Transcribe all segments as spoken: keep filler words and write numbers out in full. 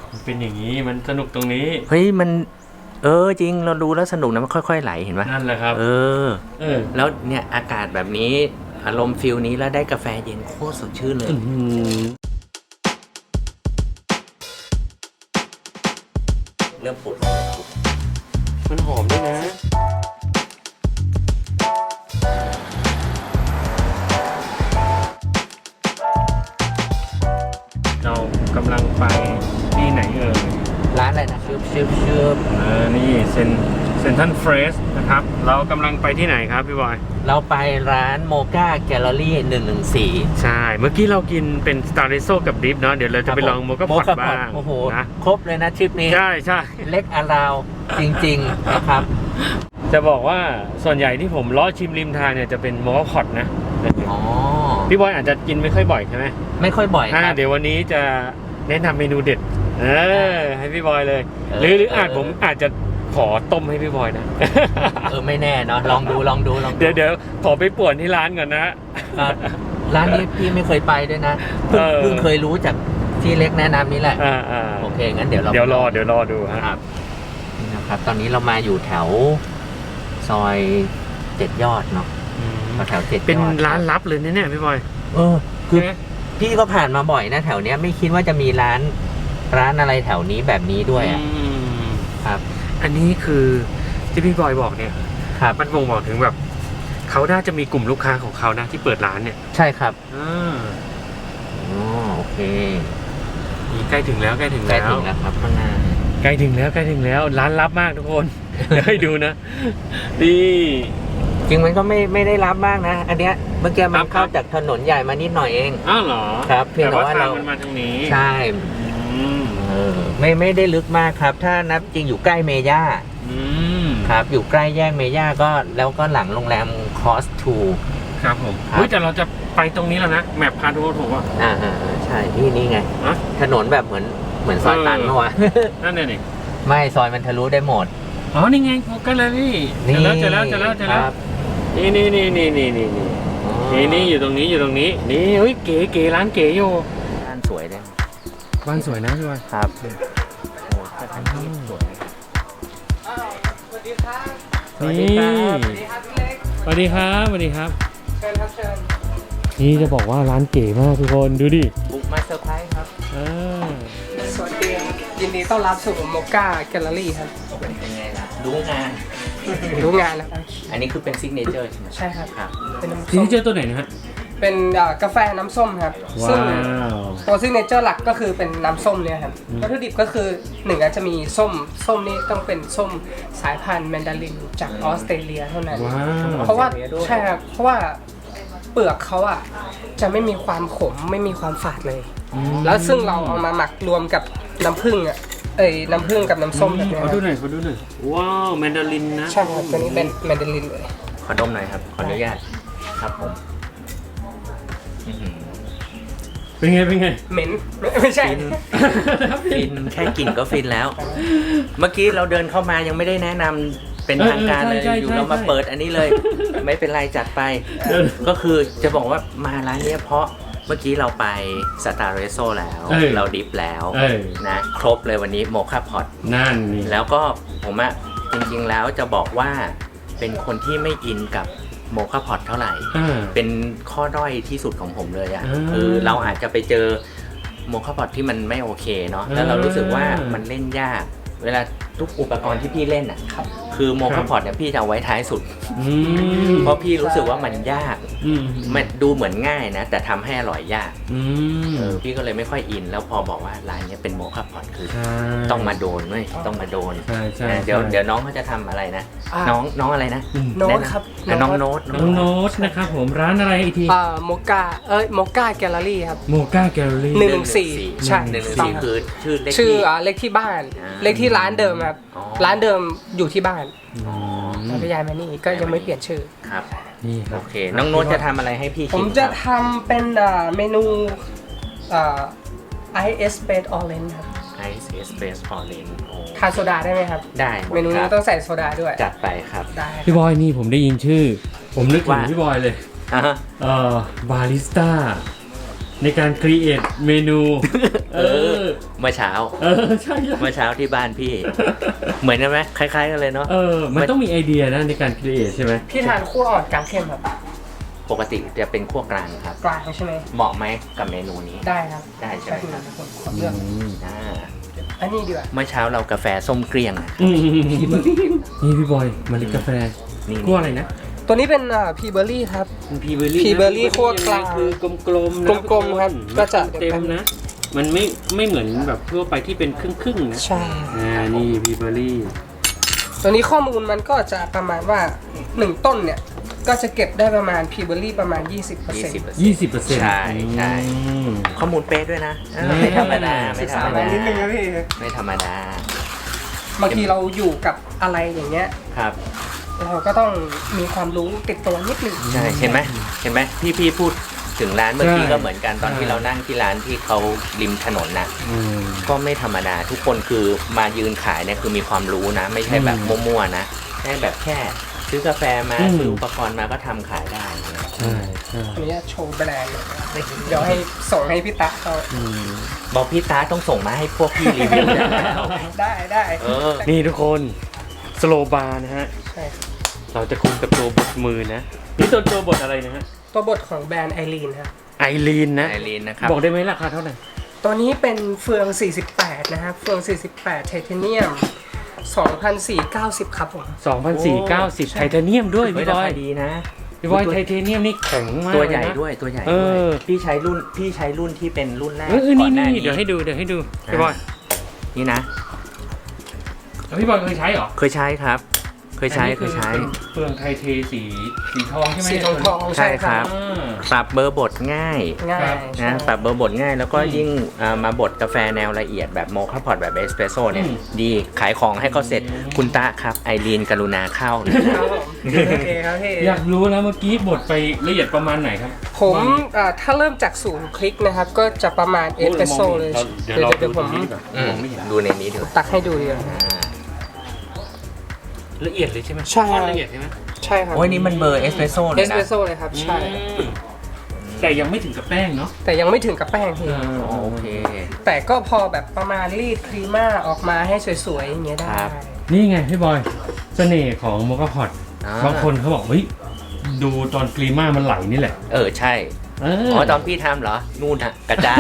มันเป็นอย่างนี้มันสนุกตรงนี้เฮ้ยมันเออจริงเราดูแล้วสนุกนะมันค่อยๆไหลเห็นไหมนั่นแหละครับเออเออแล้วเนี่ยอากาศแบบนี้อารมณ์ฟิลนี้แล้วได้กาแฟเย็นโคตรสดชื่นเลยเริ่มปุดมันหอมด้วยนะเรากำลังไปที่ไหนเอ่ยร้านอะไรนะชื่อชื่อชื่อเออนี่เซนเซนทันเฟรชนะครับเรากำลังไปที่ไหนครับพี่บอยเราไปร้านโมกาแกลเลอรี่หนึ่งหนึ่งสี่ใช่เมื่อกี้เรากินเป็นสตาร์เรโซกับดิฟเนาะเดี๋ยวเราจะไปลองโมกาพอตบ้างโอ้โหนะครบเลยนะทริปนี้ใช่ใช่เล็กอาราวจริงๆนะครับจะบอกว่าส่วนใหญ่ที่ผมล้อชิมริมทางเนี่ยจะเป็นโมกาพอตนะอ๋อพี่บอยอาจจะกินไม่ค่อยบ่อยใช่ไหมไม่ค่อยบ่อยครับเดี๋ยววันนี้จะแนะนำเมนูเด็ดเออให้พี่บอยเลยหรือหรืออาจผมอาจจะขอต้มให้พี่บอยนะเออไม่แน่เนาะลองดูลองดูลองเดี๋ยวเดี๋ยวขอไปป่วนที่ร้านก่อนนะร้านนี้พี่ไม่เคยไปด้วยนะเพิ่งเพิ่งเคยรู้จากที่เล็กแนะนำนี่แหละโอเคงั้นเดี๋ยวเราเดี๋ยวรอเดี๋ยวรอดูครับนะครับตอนนี้เรามาอยู่แถวซอยเจ็ดยอดเนาะแถวเจ็ดยอดเป็นร้านลับเลยเนี่ยพี่บอยเออคือพี่ก็ผ่านมาบ่อยนะแถวเนี้ยไม่คิดว่าจะมีร้านร้านอะไรแถวนี้แบบนี้ด้วยอ่ะครับอันนี้คือที่พี่บอยบอกเนี่ยครับมันบ่งบอกถึงแบบเขาน่าจะมีกลุ่มลูกค้าของเขานะที่เปิดร้านเนี่ยใช่ครับอ่าอ๋อโอเคนี่ใกล้ถึงแล้วใกล้ถึงแล้วใกล้ถึงแล้วครับข้างหน้าใกล้ถึงแล้วใกล้ถึงแล้วร้านลับมากทุกคนเดี๋ยวให้ดูนะนี่จริงมันก็ไม่ไม่ได้ลับมากนะอันเนี้ยเมื่อกี้มันเข้าจากถนนใหญ่มานิดหน่อยเองอ้าวเหรอครับเพียงแต่ว่าเรามันมาทางนี้ใช่เออไม่ไม่ได้ลึกมากครับถ้านับจริงอยู่ใกล้เมย่าครับอยู่ใกล้แยกเมย่าก็แล้วก็หลังโรงแรมคอสทูครับผมเฮ้ยแต่เราจะไปตรงนี้แล้วนะแมพพาดูถูกป่ะอ่าอ่าใช่นี่นี่ไงถนนแบบเหมือนเหมือนซอยตันเมื่อวานนั่นเองไม่ซอยมันทะลุได้หมดอ๋อนี่ไงโมกาเลยพี่เจอแล้วเจอแล้วเจอแล้วเจอแล้วนี่นี่นี่นี่นี่นี่นี่นี่อยู่ตรงนี้อยู่ตรงนี้นี่เฮ้ยเก๋เก๋ร้านเก๋อยู่บ้านสวยเลยบ้านสวยนะพี่บอยครับโอ้สถานที่สวยสวัสดีครับสวัสดีครับสวัสดีครับพี่เล็กสวัสดีครับสวัสดีครับเชิญครับเชิญนี่จะบอกว่าร้านเก๋มากทุกคนดูดิบุกมาเซอร์ไพรส์ครับสวัสดียินดีต้อนรับสู่โมกาแกลเลอรี่ครับเป็นไงล่ะรู้งานรู้งานนะครับอันนี้คือเป็นซิกเนเจอร์ใช่ไหมใช่ครับเป็นซิกเนเจอร์ตัวไหนนะฮะเป็นกาแฟน้ำส้มครับซึ่งตัวซิกเนเจอร์หลักก็คือเป็นน้ำส้มเนี่ยครับวัตถุดิบก็คือหนึ่งอาจจะมีส้มส้มนี่ต้องเป็นส้มสายพันธุ์แมนดารินจากออสเตรเลียเท่านั้นเพราะว่าใช่ครับเพราะว่าเปลือกเขาอ่ะจะไม่มีความขมไม่มีความฝาดเลยแล้วซึ่งเราเอามาหมักรวมกับน้ำผึ้งอ่ะเอ้ยน้ำผึ้งกับน้ำส้มแบบนี้ขอดูหน่อยขอดูหน่อยว้าวแมนดารินนะใช่ครับตัวนี้เป็นแมนดารินเลยขอดมหน่อยครับขออนุญาตครับผมเป็นไงเป็นไงเหม็นไม่ใช่ฟินแค่กลิ่นก็ฟินแล้วเมื่อกี้เราเดินเข้ามายังไม่ได้แนะนำเป็นทางการเลยอยู่เรามาเปิดอันนี้เลยไม่เป็นไรจัดไปก็คือจะบอกว่ามาร้านนี้เพราะเมื่อกี้เราไปสตาร์เรโซแล้วเราดิฟแล้วนะครบเลยวันนี้โมคาพอตนั่นแล้วก็ผมอะจริงๆแล้วจะบอกว่าเป็นคนที่ไม่อินกับโมคาพอตเท่าไหร่เป็นข้อด้อยที่สุดของผมเลยอ่ะคือเราอาจจะไปเจอโมคาพอตที่มันไม่โอเคเนาะแล้วเรารู้สึกว่ามันเล่นยากเวลาทุกอุปกรณ์ที่พี่เล่นอ่ะคือโมคาพอตเนี่ยพี่จะเอาไว้ท้ายสุดเพราะพี่รู้สึกว่ามันยากมันดูเหมือนง่ายนะแต่ทำให้อร่อยยากเออพี่ก็เลยไม่ค่อยอินแล้วพอบอกว่าร้านนี้เป็นโมคาพอตคือต้องมาโดนเว้ยต้องมาโดนเดี๋ยวเดี๋ยวน้องเขาจะทำอะไรนะน้องน้องอะไรนะโน้ตครับน้องโน้ตน้องโน้ตนะครับผมร้านอะไรอีกทีอ่าโมกาเอ้ยโมกาแกลเลอรี่ครับโมกาแกลเลอรี่หนึ่งหนึ่งสี่ใช่หนึ่งหนึ่งสี่คือชื่อเลขชื่อเลขที่บ้านเลขที่ร้านเดิมครับร้านเดิมอยู่ที่บ้านแล้วก็ย้ายมานี่ก็ยังไม่เปลี่ยนชื่อครับนี่โอเคน้องโน้ตจะทำอะไรให้พี่ผมจะทำเป็นเมนูไอเอสเบสออเรนจ์ครับไอเอสเบสออเรนจ์ทานโซดาได้ไหมครับได้เมนูนี้ต้องใส่โซดาด้วยจัดไปครับได้พี่บอยนี่ผมได้ยินชื่อผมนึกถึงพี่บอยเลยเอ่อบาริสต้าในการครีเอทเมนูเออเมื่อเช้าเออใช่ใช่เมื่อเช้าที่บ้านพี่ เหมือนกันไหมคล้ายๆกันเลยเนาะเออมันต้องมีไอเดียนะในการครีเอทใช่ไหมพี่ทานคั่วอ่อนกลางเข้มครับปกติจะเป็นคั่วกลางครับกลางใช่ไหมเหมาะไหมกับเมนูนี้ได้ครับได้ใช่ไหมครับผมขอเลือกอ่าอันนี้ดีกว่าเมื่อเช้าเรากาแฟส้มเกลี้ยงนะอืมนี่พี่บอยมาลิกาแฟนี่คั่วอะไรนะตัวนี้เป็นอ่าพีเบอร์รี่ครับพีเบอร์รี่พีเบอร์รี่คั่วกลางคือกลมๆนะกลมๆครับก็จะเต็มนะ มันไม่ไม่เหมือนแบบทั่วไปที่เป็นครึ่งๆนะใช่อ่านี่พีเบอร์รี่ตัวนี้ข้อมูลมันก็จะประมาณว่าหนึ่งต้นเนี่ยก็จะเก็บได้ประมาณพีเบอร์รี่ประมาณ ยี่สิบเปอร์ยี่เซ็นต์สิบเปอร์เซ็นต์ยี่สิบเปอร์เซ็นต์ใช่ใช่ ข้อมูลเป๊ะด้วยนะเออไม่ธรรมดาไม่ธรรมดานิดนึงนะพี่ไม่ธรรมดาบางทีเราอยู่กับอะไรอย่างเงี้ยครับเราก็ต้องมีความรู้ติดตัวนิดนึงใช่เห็นไหมเห็นไหมพี่พี่พูดถึงร้านเมื่อกี้ใช่ก็เหมือนกันตอนที่ใช่เรานั่งที่ร้านที่เขาริมถนนนะอืมก็ไม่ธรรมดาทุกคนคือมายืนขายเนี่ยคือมีความรู้นะ ไม่ใช่แบบอืมมั่วๆนะแค่แบบแค่ซื้อกาแฟมาอืมซื้ออุปกรณ์มาก็ทำขายได้นะใช่ใช่อันนี้โชว์แบรนด์เลยเดี๋ยวให้ส่งให้พี่ตะเขาอืมบอกพี่ตาต้องส่งมาให้พวกพี่รีวิวได้แล้วได้ได้เออนี่ทุกคนสโลบาร์นะฮะใช่ครับเราจะคุมกับตัวบทมือนะ นี่ตัวตัวบทอะไรนะฮะตัวบทของแบรนด์ไอรีนครับไอรีนนะไอรีนนะครับบอกได้ไหมราคาเท่าไหร่ตัวนี้เป็นเฟือง สี่สิบแปด นะครับ เฟือง สี่สิบแปด ไทเทเนียม สองพันสี่ร้อยเก้าสิบ ครับผมสองพันสี่ร้อยเก้าสิบ ไทเทเนียมด้วยเฮ้ยพี่บราอยคาดีนะพี่บอยไทเทเนียมนี่แข็งมากตัวใหญ่เลนะด้วยตัวใหญ่เอด้วยอพี่ใช้รุ่นพี่ใช้รุ่นที่เป็นรุ่นแรกเออเออก่อนี่นหน้านี่นี้เดี๋ยวให้ดูเดี๋ยวให้ดูพี่บอยนี่นะแล้วพี่บอยเคยใช้เหรอเคยใช้ครับ เคยใช้อันนี้เคยใช้เป็นเฟืองไทเทสีสีทองใช่ไหมสีทองทองใช่ครับอ่าปรับเบอร์บดง่ายง่ายครับใช่นะปรับเบอร์บดง่าย แล้วก็อืมยิ่งอ่ามาบดกาแฟแนวละเอียดแบบโมคาพอตแบบเอสเปรสโซ่เนี่ยอืมดีขายของให้เขาเสร็จอืมคุณตะครับไอรีนกรุณาเข้านะครับผมโอเคครับพี่อยากรู้แล้วเมื่อกี้บทไปละเอียดประมาณไหนครับผมอ่าถ้าเริ่มจากศูนย์คลิกนะครับ ก็จะประมาณเอสเปรสโซ่เลยเดี๋ยวเราเดี๋ดูยวตผรงมนี้ดีกว่าอืมมองไม่เห็นดูในนี้เถอะตักให้ดูดีกว่าอ่าละเอียดเลยใช่ไหมใช่ค่อนละเอียดใช่ไหมใช่ครับโอ้ยนี่มันเบอร์เอสเปรสโซ่เลเอย สนะเปรสโซ่เลยครับ ใช่อืมแต่ยังไม่ถึงกับแป้งเนาะแต่ยังไม่ถึงกับแป้งพี่อ๋อโอเคแต่ก็พอแบบประมาณรีดครีม่าออกมาให้สวยๆอย่างเงี้ยได้ครับนี่ไงพี่บอย เสน่ห์ของโมกาพอตอ่าบางคนเขาบอกเฮ้ยดูตอนกรีม่ามันไหลนี่แหละเออใช่เออ๋อตอนพี่ทำเหรอ นู่นฮะกระจาย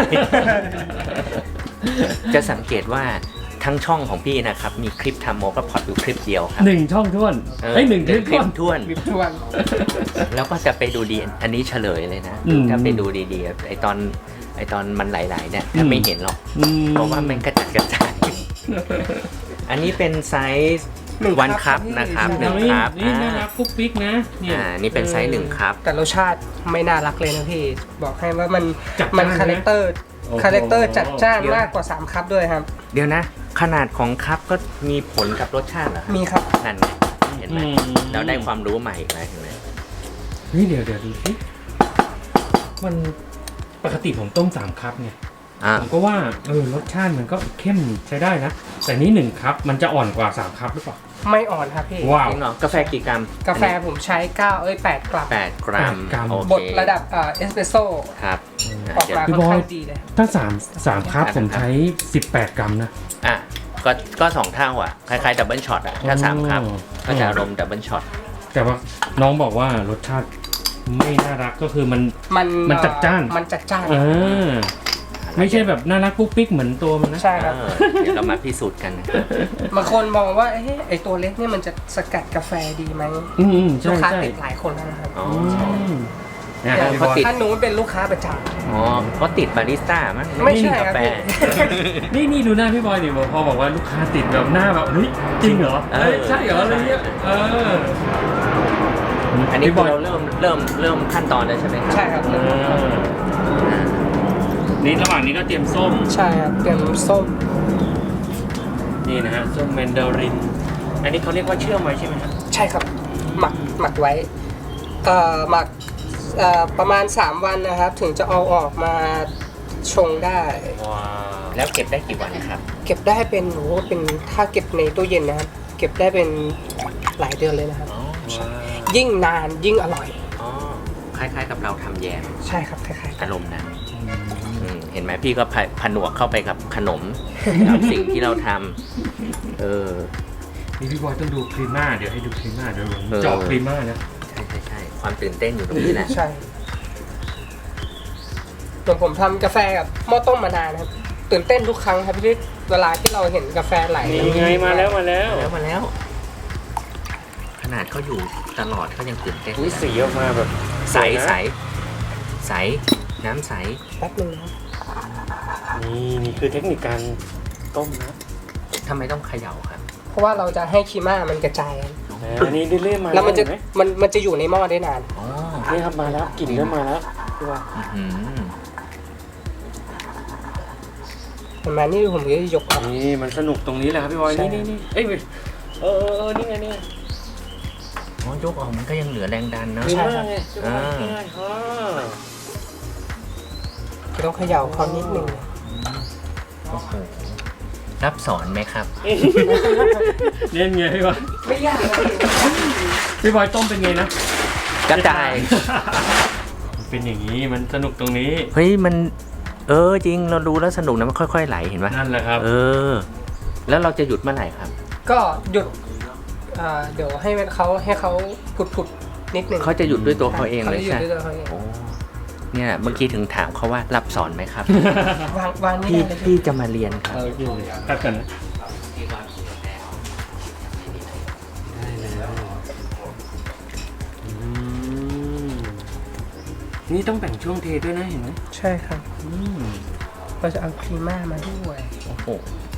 จะสังเกตว่าทั้งช่องของพี่นะครับ มีคลิปทำโมกาพอตอยู่คลิปเดียวครับหนึ่งช่องท้วนเออไอ้ยหนึ่งคลิปคลิท้วปนท้วนวิบทวนแล้วก็จะไปดูดี อันนี้เฉลยเลยนะอืมถ้าไปดูดีๆไอตอนไอตอนมันไหลๆเนี่ยถ้าอืมไม่เห็นหรอกอืมเพราะว่ามันกระจัดกระจาย อันนี้เป็นไซส์หนึ่งวันคัพพี่นะครับหใช่นึ่งนี่ครับนี่น่าอ่ารักปุ๊กปิ๊กนะเนี่ยอ่านี่เป็นไซส์หนึ่งครับแต่รสชาติไม่น่ารักเลยนะพี่ บอกให้ว่ามันจัดจ้านมันคาแรคเตอร์โอ้โหคาแรคเตอร์จัดจ้านเดี๋ยวมากกว่าสามคัพด้วยครับเดี๋ยวนะ ขนาดของคัพก็มีผลกับรสชาติเหรอครับมีครับนั่นไงเห็นไหมอืมเราได้ความรู้ใหม่อีกแล้วเห็นไหมนี่เดี๋ยวเดี๋ยวดูสิมันปกติผมต้มสามคัพเนี่ยอ่าผมก็ว่าเออรสชาติมันก็เข้มใช้ได้นะ แต่นี่หนึ่งคัพมันจะอ่อนกว่าสามคัพหรือเปล่าไม่อ่อนครับพี่ว้าวจริงเหรอกาแฟกี่กรัมกาแฟผมใช้เก้าเอ้ยแปดกรัมแปดกรัมแปดกรัมโอเคบดระดับเอ่อเอสเปรสโซ่ครับอ่ะออกเดี๋ยวมาพี่ค่อนบอยข้างดีเลยถ้าสามสามคัพผมใช้สิบแปดกรัมนะอ่ะก็ก็สองเท่าอ่ะ คล้ายๆดับเบิลช็อตอ่ะ ถ้าสามครับอ๋อก็จะอารมณ์ดับเบิลช็อตแต่ว่าน้องบอกว่ารสชาติไม่น่ารักก็คือมันมันมันจัดจ้านมันจัดจ้านเออไม่ใช่แบบน่ารักปุ๊กปิ๊กเหมือนตัวมันนะใช่ครับเดี๋ยวเรามาพิสูจน์กันบางคนมองว่าเอ๊ะไอตัวเล็กเนี่ยมันจะสกัดกาแฟดีไหมอืมอืมลูใช่กค้าใช่ติดหลายคนแล้วนะครับอ๋ออืมเนี่ยอย่างพี่บอยติดท่านนู้นเป็นลูกค้าประจอ๋อเขาติดบาริสต้ามั้งไม่ใช่กาแฟครับนี่นี่ดูหน้าพี่บอยดิพอบอกว่าลูกค้าติดแบบหน้าแบบเฮ้ยจริงเหรอเออเอ้ยใช่เหรออะไรเงี้ยเอออันนี้พี่บคือ อย เราเริ่มเริ่มเริ่มขั้นตอนแล้วใช่ไหมครับำใช่ครับเออนี่ระหว่างนี้ก็เตรียมส้มใช่ครับเตรียมส้มนี่นะฮะส้มแมนดาริน อันนี้เขาเรียกว่าเชื่อมไว้ใช่ไหมครับใช่ครับ หมักหมักไว้เอ่อหมักเอ่อประมาณสามวันนะครับ ถึงจะเอาออกมาชงได้ว้าวแล้วเก็บได้กี่วันครับเก็บได้เป็นโหเป็นถ้าเก็บในตู้เย็นนะครับ เก็บได้เป็นหลายเดือนเลยนะครับอ๋อว้าวยิ่งนานยิ่งอร่อยอ๋อคล้ายๆกับเราทำแยมใช่ครับคล้ายอารมณ์นั้นอืมห็นไหมพี่ก็ผผนวกเข้าไปกับขนม กับสิ่งที่เราทำเออนี่พี่บอยต้องดูครีม่าเดี๋ยวให้ดูครีม่าเดี๋ยวผมเออเจาะครีม่านะใช่ใช่ใช่ความตื่นเต้นอยู่ตรงนี้แหละใช่ส่วนผมทำกาแฟกับหม้อต้มมานานนะครับตื่นเต้นทุกครั้งครับที่เวลาที่เราเห็นกาแฟไหลนี่ไงมาแล้วมาแล้วแล้วมาแล้ว ขนาดเขาอยู่ตลอดเขายังตื่นเต้นอุ้ยสีออกมาแบบใสใสใสน้ำใสแป๊บนึงนะนี่นี่คือเทคนิคการต้มนะทำไมต้องเขย่าครับเพราะว่าเราจะให้คีม่ามันกระจายอันนี้เรื่อยๆมาแล้วมันจะเห็ไหมันมันจะอยู่ในหม้อได้นานอ๋อนี่ครับมาแล้วกลิ่นเริ่มมาแล้วพี่บอยอื้อหือเห็นไหมนี่ผมก็จะยกออกนี่มันสนุกตรงนี้แหละครับพี่บอยใช่นี่นี่นี่เอ้ยเออเออเออนี่ไงนี่ไงอ๋อยกออกมันก็ยังเหลือแรงดันเนอะครีม่าไงอ่าใช่อ๋อจะต้องเขย่าเขานิดนึงโอ้โหรับสอนไหมครับเล่นไงพี่บอยไม่ยากเลยพี่บอยต้มเป็นไงนะกระจายมันเป็นอย่างนี้มันสนุกตรงนี้เฮ้ยมัน เออจริงเราดูแล้วสนุกนะมันค่อยๆไหลเห็นไหมนั่นแหละครับเออ แล้วเราจะหยุดเมื่อไหร่ครับก็หยุดอ่าเดี๋ยวให้มันเขาให้เขาผุดๆนิดนึงเขาจะหยุดด้วยตัวเขาเองเลยขาจะหยุใช่ดไหมด้วยตัวเขาเองโอ้เนี่ยเมื่อกี้ถึงถามเขาว่ารับสอนไหมครับวางวางนี่พี่ได้เลยพี่จะมาเรียนครับเอาอยู่ตัดกันนะได้แล้วอืมนี่ต้องแบ่งช่วงเทด้วยนะเห็นไหมใช่ครับอืมเราจะเอาครีม่ามาด้วยโอ้โห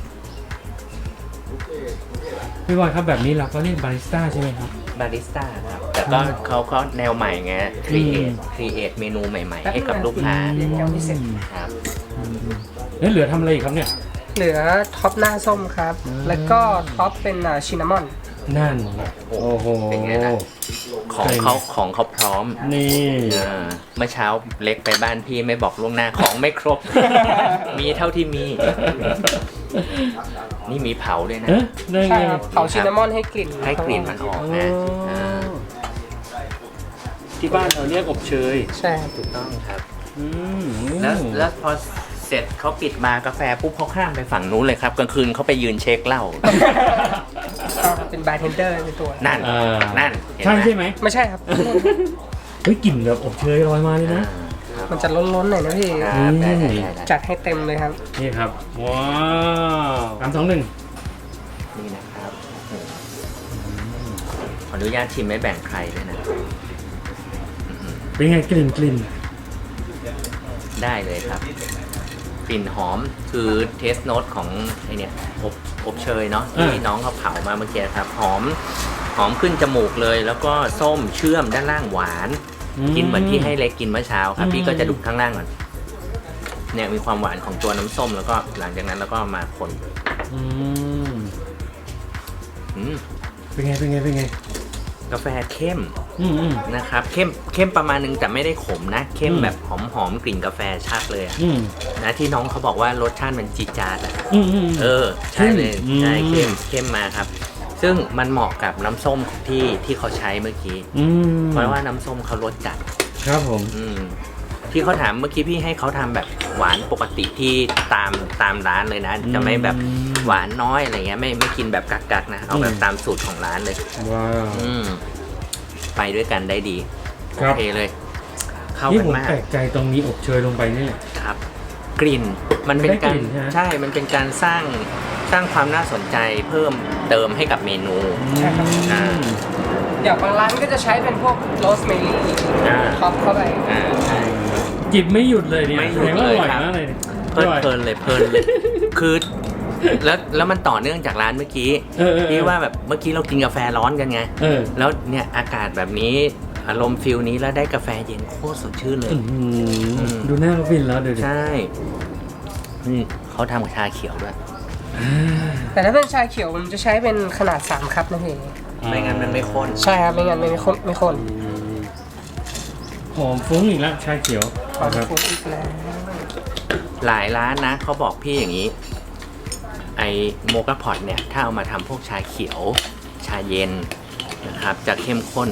พี่บอยครับแบบนี้เราก็เรียกบาริสต้าใช่ไหมครับบาริสต้าครับ แต่ก็เขาก็แนวใหม่ไงครีเอทครีเอทเมนูใหม่ ๆ ให้กับลูกค้าเดี๋ยวยังไม่เสร็จครับแล้วเหลือทำอะไรอีกครับเนี่ยเหลือท็อปหน้าส้มครับอืมแล้วก็ท็อปเป็นชินนามอนนั่นโอ้โหเป็นไงล่ะ ของเขาของเขาพร้อมนี่เออเมื่อเช้าเล็กไปบ้านพี่ไม่บอกล่วงหน้าของไม่ครบ มีเท่าที่มี นี่มีเผาด้วยนะเอ๊ะได้ไงใช่ครับเผาชินนามอนให้กลิ่นให้กลิ่นมันออกนะอ่าที่บ้านเราเรียกอบเชยใช่ครับถูกต้องครับอืมแล้วแล้วพอเสร็จเขาปิดมากาแฟปุ๊บเขาข้ามไปฝั่งนู้นเลยครับกลางคืนเขาไปยืนเช็คเหล้าเป็นบาร์เทนเดอร์ในตัวนั่นอ่านั่นเห็นใช่ไหมใช่ไหมไม่ใช่ครับเฮ้ยกลิ่นแบบอบเชยลอยมาเลยอ่านะครับมันจะล้นๆหน่อยนะพี่ครับได้ได้ได้ได้จัดให้เต็มเลยครับนี่ครับ ว้าวสามสองหนึ่งนี่นะครับขออนุญาตชิมไม่แบ่งใครด้วยนะเป็นไงกลิ่นกลิ่นได้เลยครับ กลิ่นหอมคือเทสโน t ของไอเนี่ยอบอบเชยเนาะที่น้องเขาเผามาเมื่อกี้ครับ หอมหอมขึ้นจมูกเลย แล้วก็ส้มเชื่อมด้านล่างหวาน กินเหมือนที่ให้เล็กกินเมื่อเช้าครับ พี่ก็จะดูข้างล่างก่อนเนี่ยมีความหวานของตัวน้ำส้มแล้วก็หลังจากนั้นแล้วก็มาคนอืมอืมเป็นไงเป็นไงเป็นไงกาแฟเข้มอืมอืมนะครับเข้มเข้มประมาณนึงแต่ไม่ได้ขมนะ เข้มแบบหอมหอมๆกลิ่นกาแฟชัดเลยอะอืมนะที่น้องเขาบอกว่ารสชาติมันจีดจาดอะอืมอืมเออใช่เลยอืมใช่เข้มเข้มมาครับ ซึ่งมันเหมาะกับน้ำส้มที่ที่เขาใช้เมื่อกี้อืมเพราะว่าน้ำส้มเขารสจัดครับผมอืมที่เขาถามเมื่อกี้พี่ให้เขาทำแบบหวานปกติที่ตามตามร้านเลยนะ จะไม่แบบหวานน้อยอะไรเงี้ยไม่ไม่กินแบบกักๆนะเอาแบบตามสูตรของร้านเลยว้าวอืมไปด้วยกันได้ดีคโอรับเคเลย เข้านี่กันผมมากแปลกใจตรงนี้อบเชยลงไปเนี่ยครับ กลิ่นมันเป็นการมันได้กลิ่นใช่ไหมใช่ มันเป็นการสร้างสร้างความน่าสนใจเพิ่มเติมให้กับเมนูใช่ครับอ่าอย่างบางร้านก็จะใช้เป็นพวกโรสเมลี่อ่าท็อปเข้าไปอ่าใช่จิบไม่หยุดเลยเนี่ยไม่หยุดแสดงว่าอร่อยเลยครับมากเลยเนี่ยเพลินเพลินเลยเพลินเลย คือแล้วแล้วมันต่อเนื่องจากร้านเมื่อกี้เออเออเออที่ว่าแบบเมื่อกี้เรากินกาแฟร้อนกันไงเออแล้วเนี่ยอากาศแบบนี้อารมณ์ฟิลนี้แล้วได้กาแฟเย็นโคตรสดชื่นเลยอื้อหืออืมดูหน้าเขาฟินแล้วเดี๋ยวดิใช่นี่เขาทำกับชาเขียวด้วยแต่ถ้าเป็นชาเขียวมันจะใช้เป็นขนาดสามคัพนะพี่ไม่งั้นมันไม่ข้นใช่ครับไม่งั้นไม่ข้นไม่ข้นหอมฟุ้งอีกแล้วชาเขียวขอครับฟูอีกแล้วหลายร้านนะเขาบอกพี่อย่างนี้ ไอโมกาพอตเนี่ย ถ้าเอามาทำพวกชาเขียว ชาเย็นนะครับ จะเข้มข้น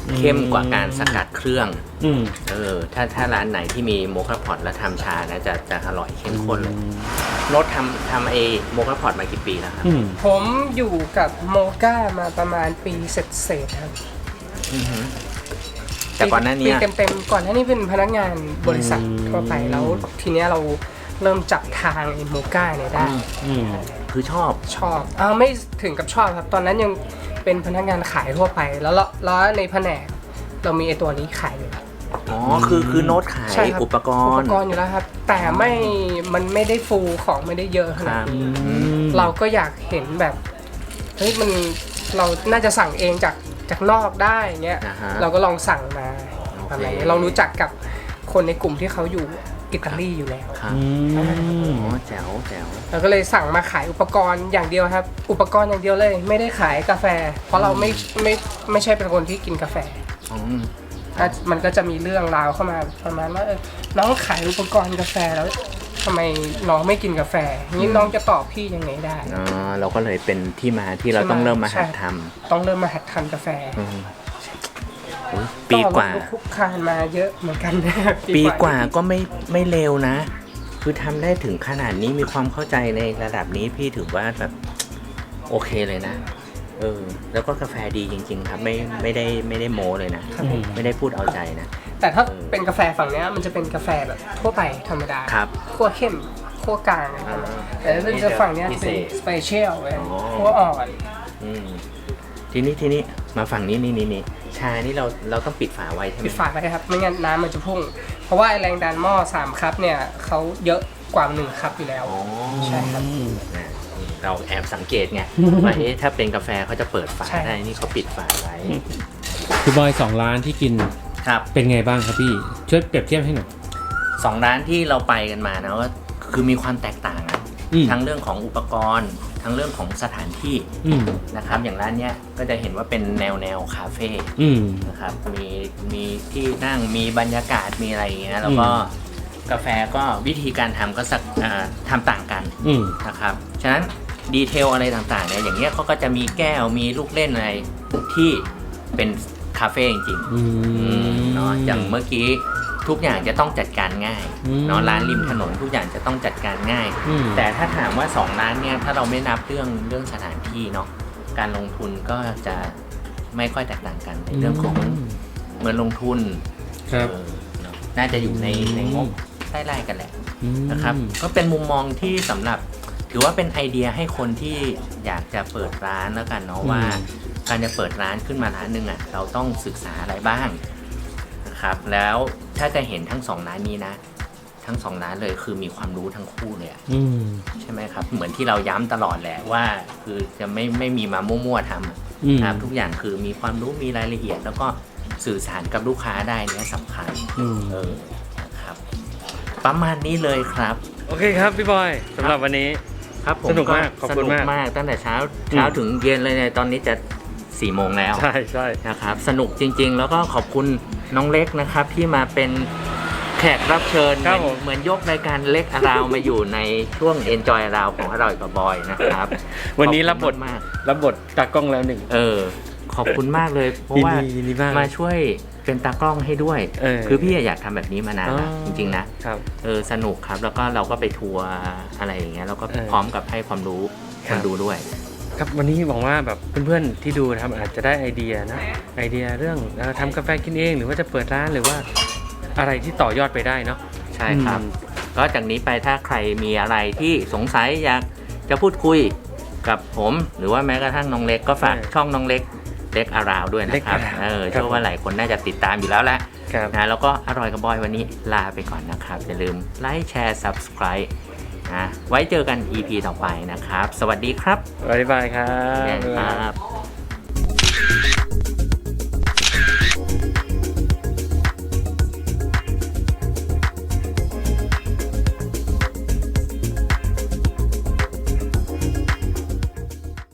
เข้มกว่าการสกัดเครื่องอืมเออถ้าถ้าร้านไหนที่มีโมคาพอตแล้วทำชานะจะจะอร่อยเข้มข้นเลยโน้ตทำทำไอโมคาพอตมากี่ปีแล้วครับอืมผมอยู่กับโมก้ามาประมาณปีเศษๆครับอือหือแต่ก่อนหน้านี้ปีเต็มๆก่อนหน้านี้เป็นพนักงานบริษัททั่วไปแล้วทีเนี้ยเราเริ่มจับทางไอ้โมก้าเนี่ยได้อืมคือชอบชอบอ่าไม่ถึงกับชอบครับ ตอนนั้นยังเป็นพนักงานขายทั่วไป แล้วเราแล้วในแผนกเรามีไอตัวนี้ขายอยู่แล้วอ๋อคือคือโน้ตขายใช่ครับอุปกอุรปณ์กรณ์อยู่แล้วครับ แต่ไม่มันไม่ได้ฟูลของไม่ได้เยอะขคนารัดบนี้อืมเราก็อยากเห็นแบบเฮ้ยมันเราน่าจะสั่งเองจากจากนอกได้เงี้ยอ่าฮะเราก็ลองสั่งมาโอเคอะไรเงี้ยเรารู้จักกับคนในกลุ่มที่เขาอยู่อิตาลีอยู่แล้วครับอืมอ๋อแจ๋วแจ๋วเราก็เลยสั่งมาขายอุปกรณ์อย่างเดียวครับ อุปกรณ์อย่างเดียวเลยไม่ได้ขายกาแฟ เพราะเราไม่ไม่ไม่ใช่เป็นคนที่กินกาแฟอืมก็มันก็จะมีเรื่องราวเข้ามาประมาณว่าเออน้องขายอุปกรณ์กาแฟแล้วทำไมน้องไม่กินกาแฟนี้น้องจะตอบพี่ยังไงได้อ๋อเราก็เลยเป็นที่มาที่เราต้องเริ่มมาหัดทต้องเริ่มมาหัดทำกาแฟำอืมอุ๊ยปีกว่าลุคุกคานมาเยอะเหมือนกันปีกว่าก็ไม่ไม่เร็วนะ คือทำได้ถึงขนาดนี้มีความเข้าใจในระดับนี้พี่ถือว่าแบบโอเคเลยนะ เออ แล้วก็กาแฟดีจริง ๆ ครับ ไม่ไม่ได้ไม่ได้โม้เลยนะครับไม่ได้พูดเอาใจนะแต่ถ้าเป็นกาแฟฝั่งเนี้ยมันจะเป็นกาแฟแบบทั่วไปธรรมดาครับคั่วเข้มคั่วกลางอะไรประมาณนั้นแต่ถ้าเป็นจะฝั่งเนี้ยพิเศเป็นษสเปเชียลเลยอ๋อคั่วอ่อนอืมทีนี้ทีนี้มาฝั่งนี้นี่นี่นี่ชานี่เราเราต้องปิดฝาไว้ใช่ไหมปิดฝาไว้ครับไม่งั้นน้ำมันจะพุ่ง เพราะว่าไอ้แรงดันหม้อสามคัพเนี่ยเขาเยอะกว่าหนึ่งคัพอยู่แล้วอ๋อใช่ครับนะเราแอบสังเกตไงว่าเอ๊ะถ้าเป็นกาแฟเขาจะเปิดฝาใช่ได้นี่เขาปิดฝาไว้พี่บอยสองร้านที่กินครับเป็นไงบ้างครับพี่ ช่วยเปรียบเทียบให้หน่อยสองร้านที่เราไปกันมานะว่าคือมีความแตกต่างอะอืมทั้งเรื่องของอุปกรณ์ ทั้งเรื่องของสถานที่อืมนะครับ อย่างร้านเนี้ยก็จะเห็นว่าเป็นแนวแนวคาเฟ่อืมนะครับมีมีที่นั่งมีบรรยากาศมีอะไรอย่างเงี้ยแล้วก็อืมกาแฟก็วิธีการทำก็สักอ่าทำต่างกันอืมนะครับฉะนั้นดีเทลอะไรต่างๆเนี่ยอย่างเงี้ยเขาก็จะมีแก้วมีลูกเล่นอะไรที่เป็นคาเฟ่จริงๆอืมเนาะอย่างเมื่อกี้ทุกอย่างจะต้องจัดการง่ายอืมเนาะร้านริมถนนทุกอย่างจะต้องจัดการง่ายอืมแต่ถ้าถามว่าสองร้านเนี่ยถ้าเราไม่นับเรื่องเรื่องสถานที่เนาะการลงทุนก็จะไม่ค่อยแตกต่างกันในเรื่องของเงินลงทุนครับเออเนอะน่าจะอยู่ในในงบไล่ๆกันแหละอืมนะครับก็เป็นมุมมองที่สำหรับถือว่าเป็นไอเดียให้คนที่อยากจะเปิดร้านแล้วกันเนาะว่าการจะเปิดร้านขึ้นมาร้านหนึ่งอ่ะเราต้องศึกษาอะไรบ้างนะครับแล้วถ้าจะเห็นทั้งสองร้านนี้นะทั้งสองร้านเลยคือมีความรู้ทั้งคู่เลยอะอืมใช่ไหมครับเหมือนที่เราย้ำตลอดแหละว่าคือจะไม่ไม่มีมามั่วๆทำอะอืมนะครับทุกอย่างคือมีความรู้มีรายละเอียด แล้วก็สื่อสารกับลูกค้าได้เนี่ยสำคัญอืมเออนะครับประมาณนี้เลยครับโอเคครับพี่บอยสำหรับวันนี้ครับผมสนุกมากขอบคุณมากสนุกมากตั้งแต่เช้าเช้าถึงเย็นเลยเนี่ยตอนนี้จะสี่โมงแล้วใช่ใช่นะครับสนุกจริงๆ แล้วก็ขอบคุณน้องเล็กนะครับที่มาเป็นแขกรับเชิญเหมือนเหมือนยกรายการเล็กอาราวมาอยู่ในช่วง Enjoy อาราวของอร่อยกับบอยนะครับวันนี้รับบทขอคุณมากรับบทตากล้องแล้วหนึ่งเออขอบคุณมากเลย เพราะว่ายินดียินดีมากมาช่วยเป็นตากล้องให้ด้วยเออคือพี่อยากทำแบบนี้มานานแล้วอ๋อจริงๆนะครับเออสนุกครับแล้วก็เราก็ไปทัวร์อะไรอย่างเงี้ยแล้วก็เออพร้อมกับให้ความรู้คครับ นดูด้วยครับวันนี้หวังว่าแบบเพื่อนๆที่ดูนะครับอาจจะได้ไอเดียนะไอเดียเรื่องเอ่อทำกาแฟกินเอง หรือว่าจะเปิดร้านหรือว่าอะไรที่ต่อยอดไปได้เนาะใช่ครับอืมก็จากนี้ไปถ้าใครมีอะไรที่สงสัยอยากจะพูดคุยกับผม หรือว่าแม้กระทั่งน้องเล็กก็ฝากช่องน้องเล็กเล็กอาราวด้วยนะครับเล็กเอ Around อครับเชื่อว่าหลายคนน่าจะติดตามอยู่แล้วแหละครับนะแล้วก็อร่อยกับบอยวันนี้ลาไปก่อนนะครับ อย่าลืมไลค์แชร์ Subscribe นะไว้เจอกัน อี พี ต่อไปนะครับ สวัสดีครับบ๊ายบายครับแดนครับ